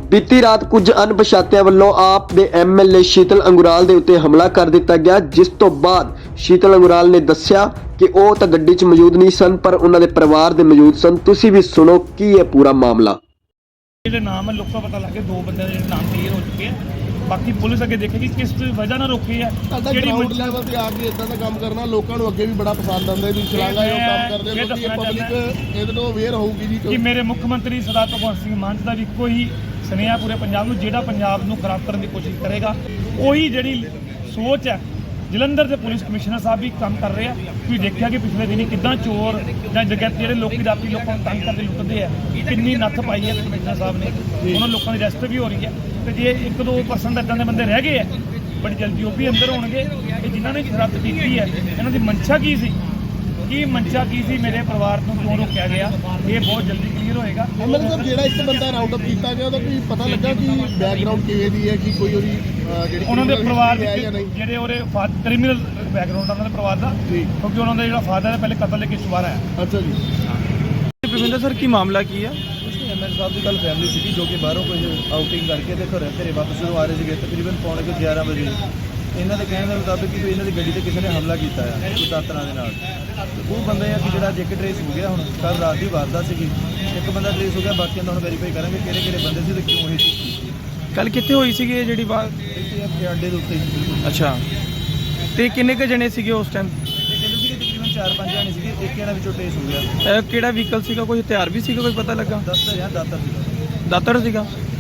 बीती रात कुछ अणपछातिਆਂ ਵੱਲੋਂ ਆਪ ਦੇ ਐਮਐਲਏ ਸ਼ੀਤਲ ਅੰਗੁਰਾਲ ਦੇ ਉੱਤੇ ਹਮਲਾ ਕਰ ਦਿੱਤਾ ਗਿਆ, ਜਿਸ ਤੋਂ ਬਾਅਦ ਸ਼ੀਤਲ ਅੰਗੁਰਾਲ ਨੇ ਦੱਸਿਆ ਕਿ ਉਹ ਤਾਂ ਗੱਡੀ 'ਚ ਮੌਜੂਦ ਨਹੀਂ ਸਨ ਪਰ ਉਹਨਾਂ ਦੇ ਪਰਿਵਾਰ ਦੇ ਮੌਜੂਦ ਸਨ। ਤੁਸੀਂ ਵੀ ਸੁਣੋ ਕੀ ਹੈ ਪੂਰਾ ਮਾਮਲਾ। ਜਿਹੜੇ ਨਾਮ ਹੈ ਲੋਕਾਂ ਪਤਾ ਲੱਗ ਗਿਆ, ਦੋ ਬੰਦਿਆਂ ਦੇ ਜਿਹੜੇ ਨਾਮ ਕਲੀਅਰ ਹੋ ਚੁੱਕੇ ਆ। ਬਾਕੀ ਪੁਲਿਸ ਅੱਗੇ ਦੇਖੇਗੀ ਕਿਸ ਵਜ੍ਹਾ ਨਾਲ ਰੋਕੀ ਹੈ। ਜਿਹੜੀ ਗਰਾਊਂਡ ਲੈਵਲ ਤੇ ਆ ਕੇ ਇਦਾਂ ਦਾ ਕੰਮ ਕਰਨਾ ਲੋਕਾਂ ਨੂੰ ਅੱਗੇ ਵੀ ਬੜਾ ਪਸੰਦ ਆਉਂਦਾ ਵੀ ਸ਼ਲਾਘਾ ਇਹ ਕੰਮ ਕਰਦੇ ਲੋਕੀ ਪਬਲਿਕ ਇਹਦੇ ਤੋਂ ਅਵੇਅਰ ਹੋਊਗੀ ਜੀ ਕਿ ਮੇਰੇ ਮੁੱਖ ਮੰਤਰੀ ਸਰਦਾਰ ਭਗਵੰਤ ਸਿੰਘ ਮਾਨ ਦਾ ਵੀ ਇੱਕੋ ਹੀ ਸੁਨੇਹਾ ਪੂਰੇ ਪੰਜਾਬ ਨੂੰ, ਜਿਹੜਾ ਪੰਜਾਬ ਨੂੰ ਖਰਾਬ ਕਰਨ ਦੀ ਕੋਸ਼ਿਸ਼ ਕਰੇਗਾ ਉਹੀ ਜਿਹੜੀ ਸੋਚ ਹੈ ਜਲੰਧਰ ਦੇ ਪੁਲਿਸ ਕਮਿਸ਼ਨਰ ਸਾਹਿਬ ਵੀ ਕੰਮ ਕਰ ਰਹੇ ਆ। ਤੁਸੀਂ ਦੇਖਿਆ ਕਿ ਪਿਛਲੇ ਦਿਨੀ ਕਿੱਦਾਂ ਚੋਰ ਜਾਂ ਜਗਤ ਜਿਹੜੇ ਲੋਕੀ ਰਾਤੀ ਲੋਕਾਂ ਨੂੰ ਤੰਗ ਕਰਦੇ ਲੁੱਟਦੇ ਆ, ਕਿੰਨੀ ਨੱਥ ਪਾਈ ਹੈ ਕਮਿਸ਼ਨਰ ਸਾਹਿਬ ਨੇ। ਉਹਨਾਂ ਲੋਕਾਂ ਦੀ ਅਰੈਸਟ ਵੀ ਹੋ ਰਹੀ ਹੈ ਤੇ ਜੇ 1-2% ਇੱਦਾਂ ਦੇ ਬੰਦੇ ਰਹਿ ਗਏ ਆ ਬੜੀ ਜਲਦੀ ਉਹ ਵੀ ਅੰਦਰ ਹੋਣਗੇ। ਇਹ ਜਿਨ੍ਹਾਂ ਨੇ ਸ਼ਰਾਰਤ ਕੀਤੀ ਹੈ ਇਹਨਾਂ ਦੀ ਮਨਸ਼ਾ ਕੀ ਸੀ, ਮੇਰੇ ਪਰਿਵਾਰ ਨੂੰ ਕਿਉਂ ਰੋਕਿਆ ਗਿਆ, ਇਹ ਬਹੁਤ ਜਲਦੀ ਕਲੀਅਰ ਹੋਏਗਾ। ਐਮਐਲਏ ਸਾਹਿਬ ਜਿਹੜਾ ਇੱਕ ਬੰਦਾ ਰਾਉਂਡ ਅਪ ਕੀਤਾ ਗਿਆ ਉਹਦਾ ਕੋਈ ਪਤਾ ਲੱਗਾ ਕਿ ਬੈਕਗ੍ਰਾਉਂਡ ਕਿਵੇਂ ਦੀ ਹੈ, ਕਿ ਕੋਈ ਉਹਦੀ ਜਿਹੜੀ ਉਹਨਾਂ ਦੇ ਪਰਿਵਾਰ ਦੇ ਜਿਹੜੇ ਉਹਦੇ ਕ੍ਰਿਮੀਨਲ ਬੈਕਗ੍ਰਾਉਂਡ ਉਹਨਾਂ ਦੇ ਪਰਿਵਾਰ ਦਾ, ਕਿਉਂਕਿ ਉਹਨਾਂ ਦਾ ਜਿਹੜਾ ਫਾਦਰ ਹੈ ਪਹਿਲੇ ਕਤਲ ਦੇ ਕੇਸ ਬਾਹਰ ਆਇਆ। ਅੱਛਾ ਜੀ। ਭੁਪਿੰਦਰ ਸਰ ਕੀ ਮਾਮਲਾ ਕੀ ਹੈ? ਐਮਐਲ ਸਾਹਿਬ ਦੀ ਕੱਲ ਫੈਮਿਲੀ ਸੀਗੀ ਜੋ ਕਿ ਬਾਹਰੋਂ ਕੁਝ ਆਊਟਿੰਗ ਕਰਕੇ ਤੇ ਘਰੇ ਵਾਪਸ ਜਦੋਂ ਆ ਰਹੇ ਸੀਗੇ ਤਕਰੀਬਨ ਪੌਣੇ 11 ਵਜੇ ਇਹਨਾਂ ਦੇ ਕਹਿਣ ਦੇ ਮੁਤਾਬਿਕ ਕਿ ਇਹਨਾਂ ਦੀ ਗੱਡੀ ਤੇ ਕਿਸੇ ਨੇ ਹਮਲਾ ਕੀਤਾ ਹੈ ਕੋਈ ਦਾਤਰਾਂ ਦੇ ਨਾਲ। ਉਹ ਬੰਦੇ ਆ ਕਿ ਜਿਹੜਾ ਜੇਕੇ ਟਰੇਸ ਹੋ ਗਿਆ, ਹੁਣ ਕੱਲ ਰਾਤ ਦੀ ਵਾਰਦਾਤ ਸੀਗੀ, ਇੱਕ ਬੰਦਾ ਟਰੇਸ ਹੋ ਗਿਆ, ਬਾਕੀਆਂ ਦਾ ਹੁਣ ਵੈਰੀਫਾਈ ਕਰਾਂਗੇ ਕਿਹੜੇ ਬੰਦੇ ਸੀ ਤੇ ਕਿਉਂ ਇਹ ਚੀਜ਼ ਕੀਤੀ। ਕੱਲ ਕਿੱਥੇ ਹੋਈ ਸੀਗੀ ਇਹ ਜਿਹੜੀ ਬਾਤ? ਇੱਥੇ ਅੱਡੇ ਦੇ ਉੱਤੇ ਹੀ ਬਿਲਕੁਲ। ਅੱਛਾ, ਤੇ ਕਿੰਨੇ ਕੁ ਜਣੇ ਸੀਗੇ ਉਸ ਟਾਈਮ? ਤੇ ਕਹਿੰਦੇ ਸੀਗੇ ਤਕਰੀਬਨ 4-5 ਜਾਣੇ ਸੀਗੇ, ਇੱਕ ਇਹਨਾਂ ਵਿੱਚੋਂ ਟਰੇਸ ਹੋ ਗਿਆ। ਕਿਹੜਾ ਵਹੀਕਲ ਸੀਗਾ, ਕੋਈ ਹਥਿਆਰ ਵੀ ਸੀਗਾ, ਕੋਈ ਪਤਾ ਲੱਗਾ? ਦਾਤਰ ਸੀਗਾ। ਦਾਤਰ ਸੀਗਾ।